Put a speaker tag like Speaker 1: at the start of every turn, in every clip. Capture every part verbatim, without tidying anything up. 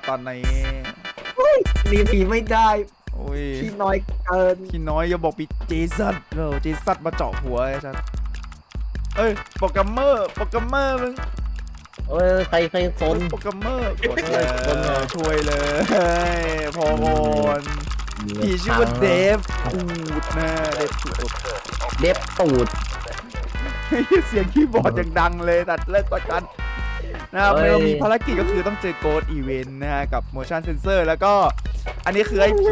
Speaker 1: ตอนนี้
Speaker 2: หนีผีไม่ได้
Speaker 1: โอ้ย
Speaker 2: พี่น้อยเกิน
Speaker 1: พี่น้อยอย่าบอกพี่เจสันเราเจสันมาเจาะหัวไอ้ฉันเอ้ยโปรแกรมเมอร์โปรแกรมเมอร์มึง
Speaker 3: เออใครใครซน
Speaker 1: โปรแกรมเมอร์กดเลยช่วยเลยพอก่อนพี่ชื่อว่าเดฟตูดนะเดฟตูด
Speaker 3: เด็บตูด
Speaker 1: เสียงคีย์บอร์ดอย่างดังเลยตัดเลิกก่อนกันนะครับเรามีภารกิจก็คือต้องเจอโกดอีเวนต์นะฮะกับ motion sensor แล้วก็อันนี้คือไอ้ผี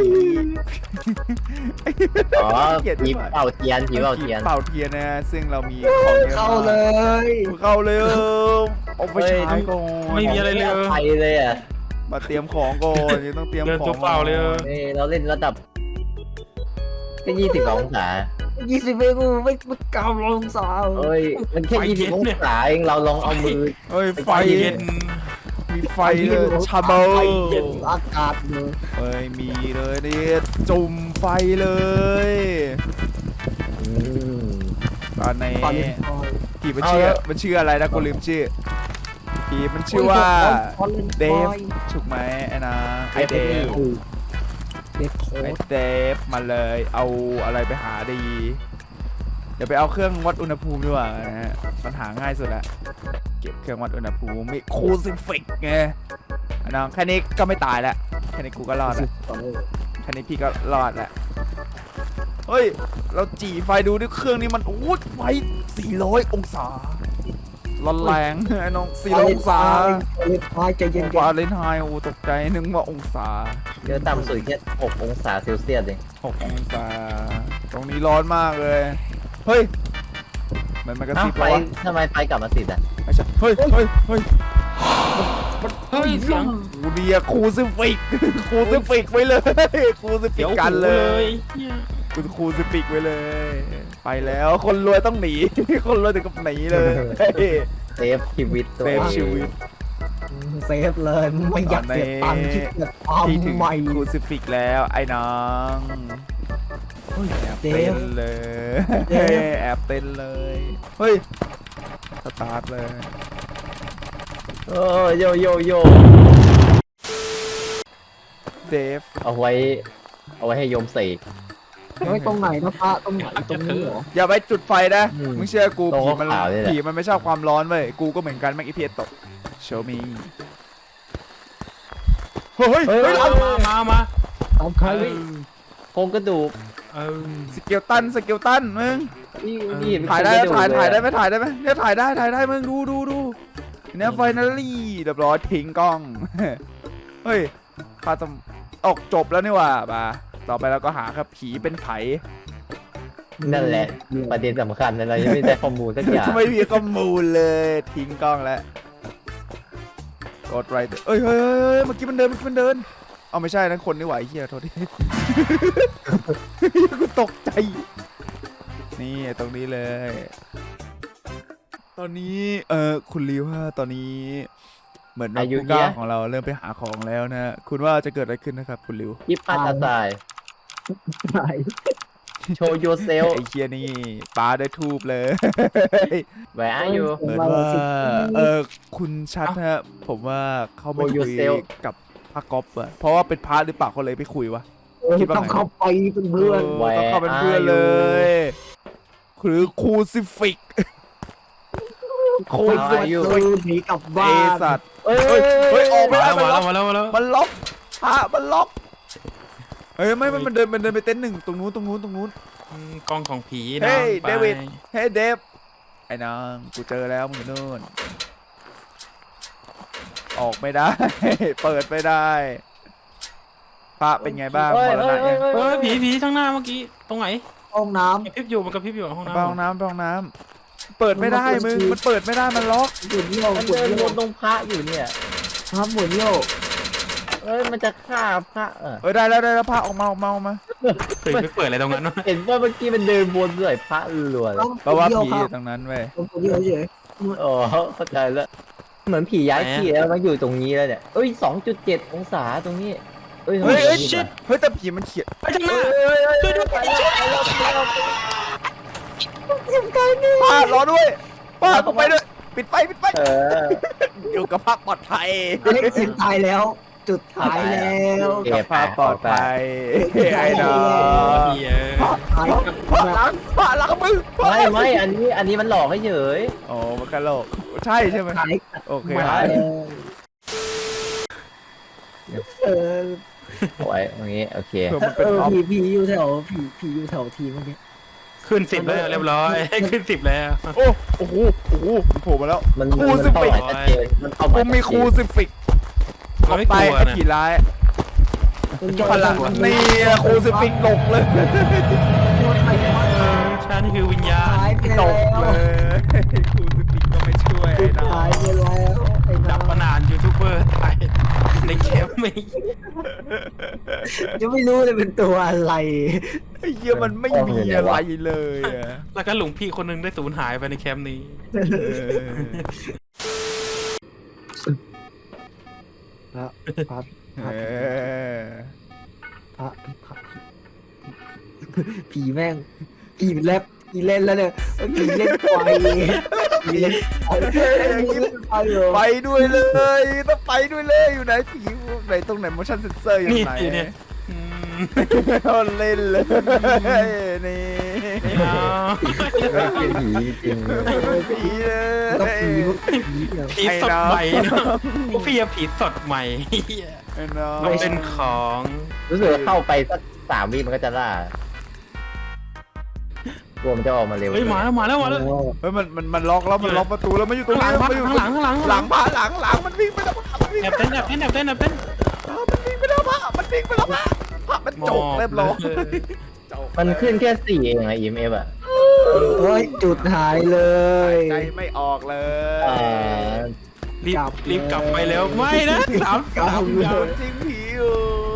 Speaker 3: อ๋อผีเป่าเทียนผีเป่าเทียน
Speaker 1: เป่าเทียนนะฮะซึ่งเรามีของเยอะ
Speaker 2: เข้าเลย
Speaker 1: เข้าเลยเออเอาไปใช้ก่อน
Speaker 4: ไม่มีอะไรเลย
Speaker 3: ไปเลยอ่ะ
Speaker 1: มาเตรียมของก่อนยังต้องเตรียม
Speaker 4: เดิน
Speaker 1: ขอ
Speaker 4: ตัว
Speaker 1: ง
Speaker 4: เปล่าเลยเออ
Speaker 3: นี่เราเล่นระดับแค่ยี่สิบสององศา
Speaker 2: ยี่สิบไม่กูไม่ไม่กาวลงสาว
Speaker 3: เอ้ยมันแค่ยี่สิบองศาเองเราลองเอามือ
Speaker 1: เฮ้ยไฟ
Speaker 4: เย็น
Speaker 1: มีไฟเลยชาเบล
Speaker 2: อากาศเลย
Speaker 1: เฮ้ยมีเลยนี่จุ่มไฟเลย
Speaker 3: อืม
Speaker 1: ตอนนี้
Speaker 2: ตอนนี้
Speaker 1: ผีมันชื่อมันชื่ออะไรนะกูลืมชื่อผีมันชื่อว่าเดฟถูกไหมไอ้นะไอเดฟ
Speaker 2: เด็กโค
Speaker 1: ไอ
Speaker 2: ตร
Speaker 1: เดฟมาเลยเอาอะไรไปหาดีเดี๋ยวไปเอาเครื่องวัดอุณหภูมิดีกว่านะฮะมันหาง่ายสุดละเก็บเครื่องวัดอุณหภูมิมีคูซิฟิกไงน้องแค่นี้ก็ไม่ตายแล้วแค่นี้กูก็รอดแล้วแค่นี้พี่ก็รอดแล้วเฮ้ยเราจี่ไฟดูด้วยเครื่องนี้มันโอ้ยไฟสี่ร้อยองศาร้อนแรงไอ้น้องสี่ร้อยองศา
Speaker 2: เล็กน้อยใจเย็น
Speaker 1: วาเลนไทน์โอ้ตกใจนึกว่าองศา
Speaker 3: เดี๋ยวต่ำสุดแค่หกองศาเซลเซียสเอง
Speaker 1: หกองศาตรงนี้ร้อนมากเลยเฮ้ยมันมันกระ
Speaker 3: เอ้า
Speaker 1: ซิบ
Speaker 3: ไฟ
Speaker 1: วะ
Speaker 3: ทำไมไฟกลับมาติดอ่ะ
Speaker 1: ไม่ใช่เฮ้ยเฮ้ยเฮ้ย
Speaker 4: เฮ้ยเสียง
Speaker 1: กูเดียคูซิฟิกคูซิฟิกไว้เลยคูซิฟิ
Speaker 4: เดี๋
Speaker 1: ก
Speaker 4: ยว
Speaker 1: กัน
Speaker 4: หู
Speaker 1: เล
Speaker 4: เลย ยเหี้ย
Speaker 1: คุณคูซิฟิกไว้เลย ไปแล้วคนรวยต้องหนี คนรวยถึงกับหนีเลย
Speaker 3: เซฟชีวิตตัว
Speaker 1: เซฟชีวิต
Speaker 2: เซฟเลยไม่อยากเสียตังค์ที่เกิดความ
Speaker 1: ที่ถึง
Speaker 2: ใหม่
Speaker 1: คูซิฟิกแล้วไอ้น้องเฮ้ยแอบเต้นเลยแอบเต้นเลยเฮ้ยสตาร์ทเลย
Speaker 3: โอ้โยโยโย
Speaker 1: เดฟ
Speaker 3: เอาไว้ เอาไว้ให้โยมเสก
Speaker 2: ไว้ตรงไหนนะพระตรงไหนตรงนี้เหรอ
Speaker 1: อย่าไปจุดไฟนะ
Speaker 3: อืม
Speaker 1: มึงเชื่อกู
Speaker 3: ตรง
Speaker 1: ผีมัน
Speaker 3: ขาวๆนี่แหละ
Speaker 1: ผีมันไม่ชอบความร้อนเว้ยกูก็เหมือนกันแม็กอีพีตกโชว์มีเฮ้ย
Speaker 3: เฮ้ย
Speaker 1: เฮ้ย
Speaker 4: มามามามา
Speaker 2: ตามใคร
Speaker 4: เออ
Speaker 3: โครงกระดูก
Speaker 4: เออ
Speaker 1: สเกลตันสเกลตันมึง
Speaker 3: นี่นี่
Speaker 1: ถ่ายได้
Speaker 3: โครงกระ
Speaker 1: ถ่าย
Speaker 3: เล
Speaker 1: ถ่ายได้
Speaker 3: อะ
Speaker 1: ไหมถ่ายได้ไหมเนี่ยถ่ายได้ถ่ายได้มึงดูดูดูเนี่ยไฟนาลี่เรียบร้อยทิ้งกล้อง เฮ้ยข้าจะออกจบแล้วนี่หว่าป่ะต่อไปเราก็หาครับผีเป็นไผ
Speaker 3: นั่นแหละ ประเด็นสำคัญอะไรยังไม่ได้ข้อมูลสักอย่าง
Speaker 1: ไม่มีข้อมูลเลยทิ้งกล้องแล้วกดไรเอ้ยเฮ้ยเฮ้ยเฮ้ยเมื่อกี้มันเดินเมื่อกี้มันเดินเอาไม่ใช่นั่นคนนี่หว่าไอ้เหี้ยโทษที กูตกใจนี่ตรงนี้เลย ตอนนี้เออคุณริวฮะตอนนี้เหมือนนักผู้กล้าของเราเริ่มไปหาของแล้วนะ คุณว่าจะเกิดอะไรขึ้นนะครับคุณริว
Speaker 3: ยิบพัดอาตาย
Speaker 2: ไหน
Speaker 3: โชว์โยเซล
Speaker 1: ไอ้เคียนี่ปาได้ทูบเลย
Speaker 3: แหวะอยู่
Speaker 1: เหมือนว่าเออคุณชัดฮะผมว่าเขาไม่
Speaker 3: โอ้
Speaker 1: คุย
Speaker 3: yourself
Speaker 1: กับพระก๊อฟอะเพราะว่าเป็นพระหรือเปล่าเขาเลยไปคุยวะ คิดว่าไง
Speaker 2: ต้องเข้าไปเป็นเพื่อน
Speaker 1: เออต้องเข้าเป็นเพื่อนเลย หรือคูซิฟิก
Speaker 2: โคตรหนีกลับ
Speaker 1: ไอ
Speaker 2: บ้าน
Speaker 1: สัตว์
Speaker 3: เอ้ย
Speaker 1: เฮ้ยเฮ้ยออกไม่
Speaker 4: มา
Speaker 1: ได้
Speaker 4: แล้ว
Speaker 1: มัน
Speaker 4: มา
Speaker 1: ล็
Speaker 4: แล้
Speaker 1: อ
Speaker 4: ว
Speaker 1: ก
Speaker 4: มาแล้วมาแล้ว
Speaker 1: มันล็อกพระมันล็อกเฮ้ยไม่ไม่มันเดินมันเดินไปเต็นท์หนึ่งตรงนู้นตรงนู้นตรงนู้น
Speaker 4: อืมกล้องของผี
Speaker 1: เฮ้
Speaker 4: นะ
Speaker 1: ย
Speaker 4: ไป
Speaker 1: เดวิด เฮ้ยเดฟไอ้นางกูเจอแล้วมึงอยู่นู่นออกไม่ได้ เปิดไม่ได้พระเป็นไงบ้าง
Speaker 3: เอ้ย
Speaker 1: มรณะ
Speaker 3: เอ้
Speaker 1: ยั
Speaker 3: ย
Speaker 1: ง
Speaker 3: เอ้ย
Speaker 4: เฮ้
Speaker 3: เอ้
Speaker 4: ย
Speaker 3: ย
Speaker 4: ผีผีข้างหน้าเมื่อกี้ตรงไหน
Speaker 2: ห้องน้
Speaker 4: กระพริบอยู่มันกระพริบอยู่ห้อง
Speaker 1: ไปห้อง
Speaker 4: น้ำ
Speaker 1: น้ำไปห้องน้ำเปิดไม่ได้มึงมันเปิดไม่ได้มันล็อก
Speaker 2: ำหมุนโยก
Speaker 3: มัน
Speaker 2: หมุน
Speaker 3: เดิน
Speaker 2: โย
Speaker 3: ว
Speaker 2: ก
Speaker 3: นตรงพระอยู่เนี่ย
Speaker 2: ครับหมุนโยก
Speaker 3: เอ้ยมันจะฆ่าพระเออ
Speaker 1: เออได้แล้วได้แล้วพระออกมาออกมาออกมา
Speaker 4: เคยไปเปิดอะไรตรงนั้นวะ
Speaker 3: เห็นว่าเมื่อกี้มันเดินวนใส่พระรัวเลย
Speaker 1: เพราะว่า
Speaker 2: โยก
Speaker 1: ผี
Speaker 2: ค
Speaker 1: อ
Speaker 2: รับ
Speaker 1: ยู่ตรงนั้นเว้ย
Speaker 2: หมุนโยกเฉย
Speaker 3: อ๋อเข้าใจแล้ว เหมือนผีย้ายที่แล้วมาอยู่ตรงนี้แล้วเนี่ยเอ้ยสองจุดเจ็ดองศาตรงนี้เอ้ย
Speaker 1: เฮ้ยเฮ้ย
Speaker 3: ทำไม
Speaker 1: ชิดเฮ้ยแต่ผีมันเขียน
Speaker 4: ไปข้างหน้า
Speaker 3: เอ้ยเอ้ยเอ้ยเอ้ยไปแล้วไปแล้วไปแล้ว
Speaker 1: ป้ารอด้วยป้ากูไปด้วยปิดไฟปิดไฟ
Speaker 3: เออ
Speaker 1: อยู่กับพระปลอดภัย
Speaker 2: เล็กเสียงตายแล้วจุดท้ายแล้ว
Speaker 3: เก็บ
Speaker 1: ภาพปลอดภัยไอ้น้อง
Speaker 4: พี่เอ้ย
Speaker 2: ท้าย
Speaker 1: พระหลังพระหลังมึง
Speaker 3: ไม่ไม่อันนี้อันนี้มันหลอกให้เฉย
Speaker 1: โอ้มันกะโหลกใช่ใช่ไหม
Speaker 2: ท้าย
Speaker 1: โอเค
Speaker 2: มา
Speaker 1: ครับ
Speaker 2: แล้วเออ
Speaker 3: โอ้ยตรงนี้โอเค
Speaker 1: เผื่อมัน
Speaker 2: เอ
Speaker 1: เป็น
Speaker 2: อ
Speaker 1: ออฟ
Speaker 2: ผีผีอยู่แถวผีผีอยู่แถวทีมเมื่อกี้
Speaker 4: ขึ้นสิบแล้วเรียบร้อยขึ้นสิบแล้ว
Speaker 1: โอ้โอ้โหโอ้โหมันโผล่มาแล้ว
Speaker 3: มัน
Speaker 1: ครู
Speaker 3: มัน
Speaker 1: ซิ
Speaker 3: เป้า
Speaker 1: ฟิ
Speaker 3: ห
Speaker 1: ก
Speaker 3: มายชัดเจนมันเป้าห
Speaker 1: กู
Speaker 3: มาย
Speaker 1: มีครูซิฟิก
Speaker 4: เรา
Speaker 1: เอา
Speaker 4: ไม่
Speaker 1: ไป
Speaker 4: กลัว
Speaker 1: ไอ้
Speaker 4: นะ
Speaker 1: ผีร้ายพลังนี่ครูซิฟิกตกเลย
Speaker 4: ฉันคือวิญญาณ
Speaker 2: หายไป
Speaker 1: ต
Speaker 2: แล้ว
Speaker 1: กเลยครูซิฟิกก็ไม่ช่วยไอ้น้อ
Speaker 2: หาย
Speaker 1: ง
Speaker 2: ไปแล้วไอ้
Speaker 4: ดั
Speaker 2: น้า
Speaker 4: บปนานยูทูบเบอร์ตายในแคมป์ไม่
Speaker 2: ยังไม่รู้เลยเป็นตัวอะไร
Speaker 1: ไอ้เหี้ยมันไม่มีอะไรเลยอะ
Speaker 4: แล้วก็หลวงพี่คนหนึงได้สูญหายไปในแคมป์นี้
Speaker 1: เออ
Speaker 2: พระพระ
Speaker 1: เออ
Speaker 2: พระพระผีแม่งผีแลบผีเล่นแล้วเนี่ยผีเล่นไฟผีเล่นไฟผีเล่นไฟเหรอ
Speaker 1: ไปด้วยเลยต้องไปด้วยเลยอยู่ไหนผีไหนตรงไหน motion sensor อยู่
Speaker 4: นี่
Speaker 1: ไหน
Speaker 4: เนี่ยอืม
Speaker 1: เอาเล่นเลยนี่
Speaker 4: เอา
Speaker 3: เป็นผีจริง
Speaker 1: ผีเลย
Speaker 2: ก็ผีผีเนี่ย
Speaker 4: ผีสดใหม่เนอะพวกพี่อะผีสดใหม่เหี้ย
Speaker 1: ไอ้น้อง
Speaker 4: มันเป็นของ
Speaker 3: รู้สึกว่าเข้าไปสักสามวิมันก็จะล่าตัวมันจะออกมาเร็ว
Speaker 4: เฮ้ยมาแล้วมาแล้วมาแล้ว
Speaker 1: เฮ้ยมันมันมันล็อกแล้วมันล็อกประตูแล้วมันอยู่ตรง
Speaker 4: ข้างหลัง
Speaker 1: นี้มันอยู่
Speaker 4: ข้างหลังข้างหลัง
Speaker 1: หลังพาหลังหลังมันวิ่งไปแล้วมันวิ่ง
Speaker 4: แอบเต้นแอบเต้นแอบเต้นแอบเต้น
Speaker 1: มันวิ่งไปแล้วพะมันวิ่งไปแล้วพะพะมันจกเรียบร้อยจก
Speaker 3: มันขึ้นแค่สี่เองอะ อี เอ็ม เอฟ อะ
Speaker 2: โอ้ยจุดหายเลย
Speaker 1: ใจไม่ออกเล
Speaker 3: อ่าย
Speaker 4: รีบ
Speaker 2: กลับ
Speaker 4: รีบกลับไปแล้วไม่นะสาม
Speaker 2: กลับ
Speaker 4: สาม
Speaker 2: เลย
Speaker 4: ยาว
Speaker 1: จริงผีอยู่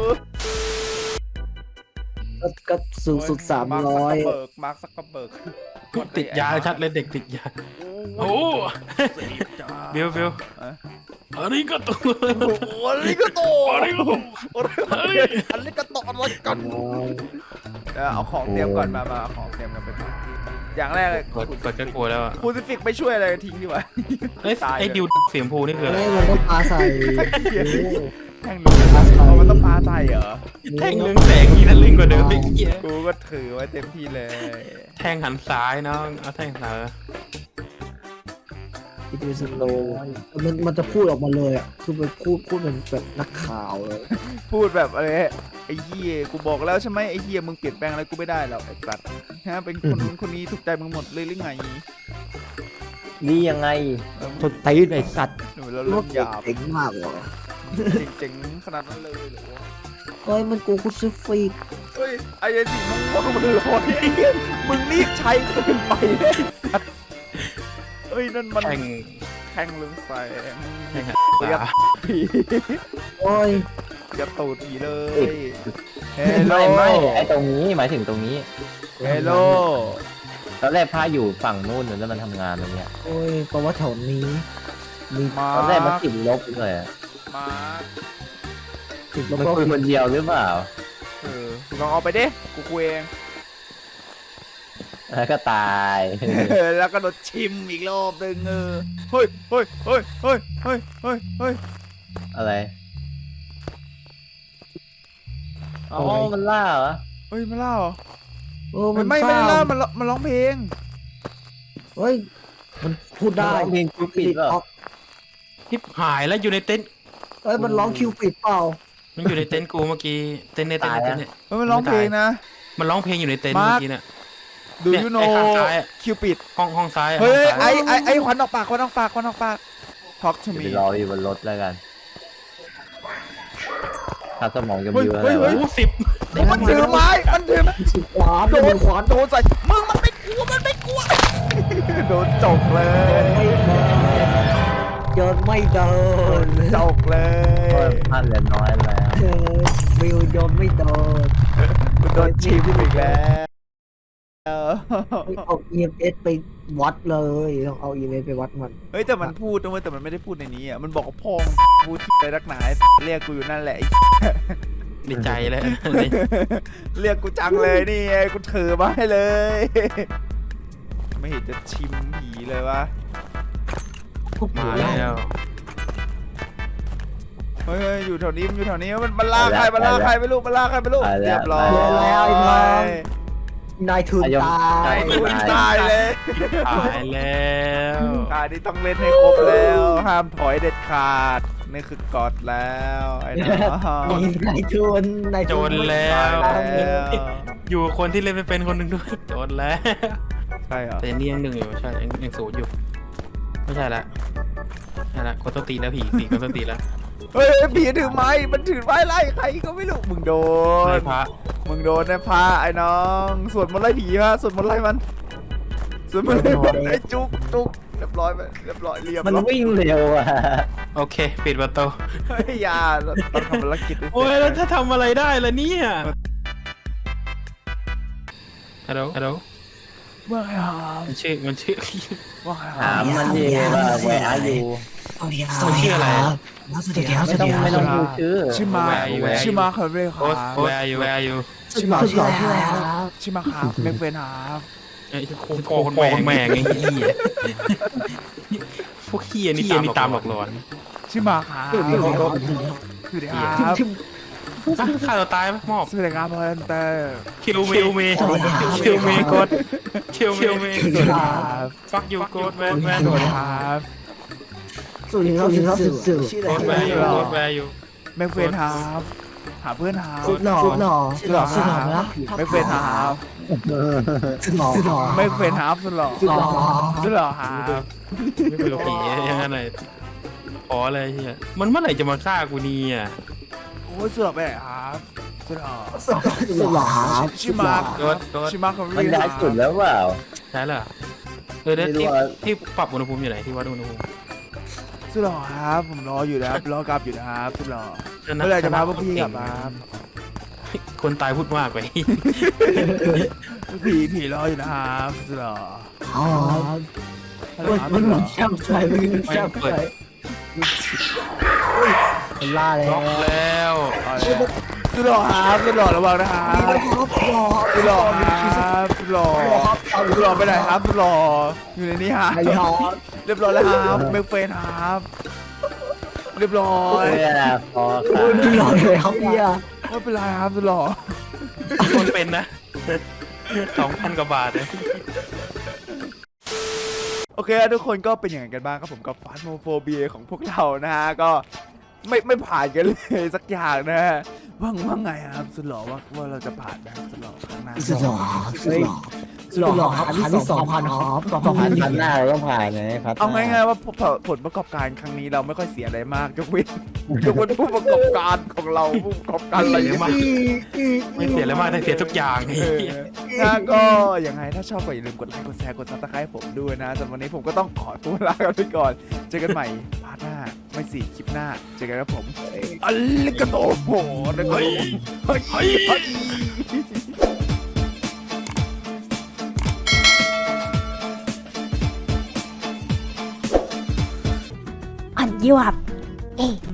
Speaker 2: ก็ก็สูงสุดสามร้อย
Speaker 1: มาร์คซักกระเบิก
Speaker 4: ติดยาชัดเลยเด็กติดยาโอ้เบลเบลอันนี้ก็ตัว
Speaker 1: โอ้โหอันนี้ก็โตอันนี้ก็โตอันนี้ก็โตอะไรกันเดี๋ยวเอาของเตรียมก่อนมามาเอาของเตรียมกันไปก่อนอย่างแรกเลย
Speaker 4: กดกดก็กลัวแล้วอ่ะ
Speaker 1: คูซิฟิกไม่ช่วยอะไรทิ้งดีกว่า
Speaker 4: ไอ้ไอ้ดิวเสียงพูนี่คืออะไร
Speaker 2: ไม่มันต้องปาใส่
Speaker 1: แท่งลึงเอามันต้องปาใจเหรอ
Speaker 4: แท่งเรืองแสงนี่นั่นลึงกว่าเดิมไอ้เหี้ย
Speaker 1: กูก็ถือไว้เต็มที่เลย
Speaker 4: แท่งหันซ้ายน้องเอาแท่งซ้าย
Speaker 2: อีดูสโลมันมันจะพูดออกมาเลยอ่ะคือมันพูดพูดเป็นแบบนักข่าวเลย
Speaker 1: พูดแบบอะไรไอ้เหี้ยกูบอกแล้วใช่ไหมไอ้เหี้ยมึงเปลี่ยนแปลงอะไรกูไม่ได้หรอกไอ้สัตว์ฮะเป็นคนนู้นคนนี้ถูกใจมึงหมดเลยหรือไง
Speaker 3: ดียังไง
Speaker 2: คนตีนไอ้สัตว์
Speaker 1: หนูเรา
Speaker 2: โล
Speaker 1: เริ่
Speaker 2: ก
Speaker 1: มหยาบ
Speaker 2: เจ๋งมากเหรอ
Speaker 1: เจ๋งๆขนาดนั้นเลยเหรอวะ
Speaker 2: เฮ้ยมันกูคุซิฟิก
Speaker 1: เฮ้ยไอ้ไอ้สีม่วงๆมันลอยไอ้เหี้ยมึงรีบใช้เกินไปเลยไอ้สัตว์เฮ้ยนั่นมัน
Speaker 4: แท่ง
Speaker 1: แท่งเรืองแสง
Speaker 4: แท่งหัน
Speaker 1: เรียก
Speaker 4: ซ้าย
Speaker 1: ผี
Speaker 2: โอ้ย
Speaker 1: อย่าตูดผีเลยเฮลโล
Speaker 3: ไม่ไม่ไอตรงนี้หมายถึงตรงนี้
Speaker 1: เฮลโล
Speaker 3: ตอนแรกพาอยู่ฝั่งนู้นแล้วมันทำงานตรงเนี้ย
Speaker 2: โอ้ยเพราะว่าแถวนี้มี
Speaker 1: มา
Speaker 3: ตอนแรกมันติดลบเลยอะ
Speaker 1: มา
Speaker 2: ติดแล้ว
Speaker 3: มัน
Speaker 2: ก็
Speaker 3: คุยคนเดียวหรือเปล่า
Speaker 1: เออลองเอาไปดิกูคุยเอง
Speaker 3: แล้วก็ตาย
Speaker 1: แล้วก็โดนชิมอีกรอบหนึ่งเออเฮ้ยเฮ้ยเฮ้ยเฮ้ยเฮ้ยเฮ้ยเฮ้ย
Speaker 3: อะไร อ๋อ มันล่าเหรอ
Speaker 1: เฮ้ยมาเล่าเหรอ
Speaker 2: เออมัน
Speaker 1: ไม่
Speaker 2: เศ
Speaker 1: ไม่
Speaker 2: ร้า
Speaker 1: ได้เล่ามันร้องมันร้องเพลง
Speaker 2: เฮ้ยมันพูดได้
Speaker 3: ร้องเพลงคิวปิดเปล่า
Speaker 2: ออก
Speaker 4: ทิพหายแล้วอยู่ในเต็นท์
Speaker 2: เอ้ยมันร้องคิวปิดเปล่า
Speaker 4: มันอยู่ในเต็นท์กูเมื่อกี้เต็นท์ในเต็นท์ในเต็นท์เนี่ย
Speaker 1: เฮ้ยมันร้องเพลงนะ
Speaker 4: มันร้องเพลงอยู่ในเต็นท์
Speaker 1: มาร์ค
Speaker 4: เมื่อกี้เนี่ย
Speaker 1: ดู
Speaker 4: เนี่ย
Speaker 1: ยูโน
Speaker 4: ไอ้ข้างซ้ายอะ
Speaker 1: คิวปิด
Speaker 4: ห้องห้องซ้ายอะ
Speaker 1: เฮ้ย
Speaker 4: ห้องซ้า
Speaker 1: ไอ้ไอ้ไอ้ควันออกปากควันออกปากควันออกปาก talk to
Speaker 3: ไป
Speaker 1: me
Speaker 3: รออยู่บนรถแล้วกันถ้าสมองจะ
Speaker 1: เฮ้
Speaker 3: มี
Speaker 1: ย
Speaker 3: อะไร
Speaker 1: เฮ้ยเฮ้
Speaker 3: วะ
Speaker 1: ย
Speaker 4: โอ้สิบ
Speaker 1: มันถือไม้มันถือ
Speaker 2: สิบขวาน
Speaker 1: โด
Speaker 2: โด
Speaker 1: น
Speaker 2: น
Speaker 1: ขวานโดนใส่มึงมันไม่กลัวมันไม่กลัว โดนจกเลย
Speaker 2: ไม่เดินเดินไม่เดิน
Speaker 1: จกเล
Speaker 3: ก็
Speaker 1: ย
Speaker 3: พันเหลือน้อยแล้ว
Speaker 2: เออวิวโดนไม่เดิน
Speaker 1: โดนชิมอีกแล้ว
Speaker 2: เอา อี เอ็ม เอส ไปวัดเลยต้องเอา อี เอ็ม เอส ไปวัดมัน
Speaker 1: เฮ้ยแต่มันพูดนะเว้ยแต่มันไม่ได้พูดในนี้อ่ะมันบอกว่าพ่อมึงพูดที่ไรรักหนาเรียกกูอยู่นั่นแหละไอ้
Speaker 4: ในใจเลย
Speaker 1: เรียกกูจังเลยนี่ไงกูถือมาให้เลย ไม่เห็นจะชิมผีเลยวะ
Speaker 2: พวก
Speaker 4: มา
Speaker 2: ผี
Speaker 4: แล้
Speaker 2: ไล่
Speaker 4: ว
Speaker 1: เฮ้ยเฮ้ยอยู่แถวนี้มันอยู่แถวนี้มันมันลากใครมันลากใครไม่รู้มันลากใครไม่รู้
Speaker 3: ไปแล้ว
Speaker 1: เรียบร้อย
Speaker 3: ไปแล้ว
Speaker 2: ไอ้น้อง นายทุนตา
Speaker 3: ไอ้
Speaker 2: ย
Speaker 3: ทุ
Speaker 1: คุณตายเลย
Speaker 4: ตายแล้ว
Speaker 1: ตายนี่ต้องเล่นให้ครบแล้ว ห้ามถอยเด็ดขาดนี่คือกอดแล้วไอ้น้อง
Speaker 2: มีนายทุนนาย
Speaker 4: โจ
Speaker 2: ทุน
Speaker 4: รแล้ว
Speaker 1: ตายแล้ว
Speaker 4: อยู่กับคนที่เล่นไม่เป็นคนหนึ่งด้วยโจรแล้ว
Speaker 1: ใช่เหรอ
Speaker 4: แต่ยังนี่ยังหนึ่งอยู่ใช่ยังยังศูนย์อยู่ไม่ใช่ละใช่ละคนต้นตีนแล้วผีผีคนต้นตีนแล้ว
Speaker 1: เฮ้ยผีถือไม้มันถือไม้ไล่ใครก็ไม่รู้มึงโด
Speaker 4: ไล่
Speaker 1: น
Speaker 4: พระ
Speaker 1: มึงโดนนะพระไอ้น้องสวดมนต์ไล่ผีฮะสวดมนต์ไล่มันสวดมนต์ไล่มันไอ้จุกจุกเรียบร้อยไปเรียบร้อยเรียบ
Speaker 3: มัน
Speaker 1: ร้อย
Speaker 3: วิ่งเร็วอ่ะ
Speaker 4: โอเค ปิดประตู
Speaker 1: เฮ้ยอยาเราต้องทำภารกิจให้เสร็จ
Speaker 4: โอ้ยแล้วถ้าทำอะไรได้ล่ะเนี่ยฮัลโหลฮัลโหล
Speaker 1: ว่าไงครับ
Speaker 4: มันชื่อมันชื่อ
Speaker 1: ว่าไงค
Speaker 3: ถา
Speaker 1: รับ
Speaker 3: มมันดีว่าแหวะอยู่
Speaker 2: สวัสดีครั
Speaker 4: มันชื่ออะไร
Speaker 2: สวัสดีครับ
Speaker 3: ไม่ต้องไม่ต้องพูดชื่อ
Speaker 1: ชื่อมา
Speaker 4: แวร์อยู่แวร์อยู่
Speaker 1: ชื่อมาครับเลยค
Speaker 4: โอ้
Speaker 1: รับ
Speaker 4: แวร์อยู่แวร์อยู่
Speaker 1: ชื่อมา
Speaker 2: สุดหล่อชื่ออะไรครับ
Speaker 1: ชื่อมาครับเมกเฟนครับ
Speaker 4: ไอ้โคโคคนแมงแมงไอ้เหี้ยพวกเหี้ยนี่ตามนี่ตามหลอกหลอน
Speaker 1: ชื่อมาครับ
Speaker 2: สวัสดีครับ
Speaker 1: สวัสดีครับ
Speaker 4: อ่ะฆ่าตัวตายไหมมอบ
Speaker 1: สวัสดีครับพอนเตอร์
Speaker 4: คิวเมคิวเมคิวเมกดคิวเมคิวเม
Speaker 1: สวัสดีครับ
Speaker 4: ฟักยูโกดแมนแมน
Speaker 1: สวัสดีครับ
Speaker 2: สวัสดีครับสวัสดีครับสื่อชื่อ
Speaker 4: โก
Speaker 2: อะไร
Speaker 4: ดแวร์อยู่โกดแวร์อยู่
Speaker 1: เมกเฟนครับหาเพื่อนครับ
Speaker 2: สุดหล่อสุดหล่อ
Speaker 1: สุดหล่อ
Speaker 2: สุด
Speaker 1: ค
Speaker 2: หล่อ
Speaker 1: รับ
Speaker 2: นะ
Speaker 1: เมกเฟนครับ
Speaker 2: สุดหล่อสุดหล่อ
Speaker 1: เมกเฟนครับสุดหล่อ
Speaker 2: สุดหล่อ
Speaker 1: สุดหล่อครับ
Speaker 4: ไม่เป็นผีอย่างนั้นเลยขอเลยเฮียมันเมื่อไหร่จะมาฆ่ากูนี่อ่ะ
Speaker 1: โอ้ยสุดหล่อไปไหนครับสุดหล่อ
Speaker 2: สุดหล่อครับ
Speaker 1: ชื่อมาร์ค
Speaker 4: โกดโกด
Speaker 1: ชื่อมาร์คครับ
Speaker 3: มันได้สุดแล้วเปล่า
Speaker 4: ใช่เหรอเออเดี๋ยว
Speaker 3: ไม่รู้
Speaker 4: ที่
Speaker 3: ว่า
Speaker 4: ที่ปรับอุณหภูมิอยู่ไหนที่วัดอุณหภูมิ
Speaker 1: สุดหล่อครับ ผมรออยู่นะครับรอกลับอยู่นะครับสุดหล่อ
Speaker 4: ชน
Speaker 1: เมื่อไหร่จะพาพวกพี่กลับมาครับ
Speaker 4: คนตายพูดมากไป
Speaker 1: ผีผีรออยู่นะครับสุดหล่อ
Speaker 2: อ๋อ
Speaker 1: ฮัลโหล
Speaker 2: มัน
Speaker 1: ครับ
Speaker 2: มันแช่มใจมันแช่มใจมันล่าแล้
Speaker 4: ล็
Speaker 2: ว
Speaker 4: อกแล้ว
Speaker 1: สุดหล่อครับสุดหล่อระวังนะครับสุดหล่อครับสุดหล่อสุดหล่อไปไหนครับสุดหล่ออยู่ในนี้ฮะ
Speaker 2: ไอ้ฮอ
Speaker 1: เรียบร้อยแล้วครับเมกเฟนครับเรียบร้อย
Speaker 3: เวลาพอค่ะ
Speaker 2: คุณหล่อเลยครับพี่อะ
Speaker 1: ไม่เป็นไรครับสุดหล่อ
Speaker 4: คนเป็นนะสองพันกว่าบาทเลย
Speaker 1: โอเคทุกคนก็เป็นอย่างไรกันบ้างครับผมกับฟาสโมโฟเบียของพวกเรานะฮะก็ไม่ไม่ผ่านกันเลยสักอย่างนะฮะว่างว่าไงครับสุดหล่อว่าว่าเราจะผ่านไหมครับสุดหล่อข้างหน้า
Speaker 2: สุดหล่อสุดหล่อสุดหล่อครับพันที่สองพันครับสองพั
Speaker 3: พั
Speaker 2: น
Speaker 3: นพันหน้าเราต้องผ่านไงพัน
Speaker 1: เอาง่ายๆว่าผลผลประกอบการครั้งนี้เราไม่ค่อยเสียอะไรมากยกเว้นยกเว้นผู้ประกอบการของเราผู้ประกอบการอะไรอย่างเงี้ย
Speaker 4: ไม่เสียอะไรมากแต่เสียทุกอย่างไอ้
Speaker 1: เออ
Speaker 4: เหี้ย
Speaker 1: ถ้าก็ยังไงถ้าชอบก็อย่าลืมกดไลค์กดแชร์กดซับสไครต์ผมด้วยนะสำหรับวันนี้ผมก็ต้องขอตัวลากันไปก่อนเจอกันใหม่พาร์ทหน้าไม่สิคลิปหน้าเจอกันครับผมอัลลิกาโตโหนะครับผมเฮ้ยเฮ้ยเฮ้ย
Speaker 5: on you up. Hey.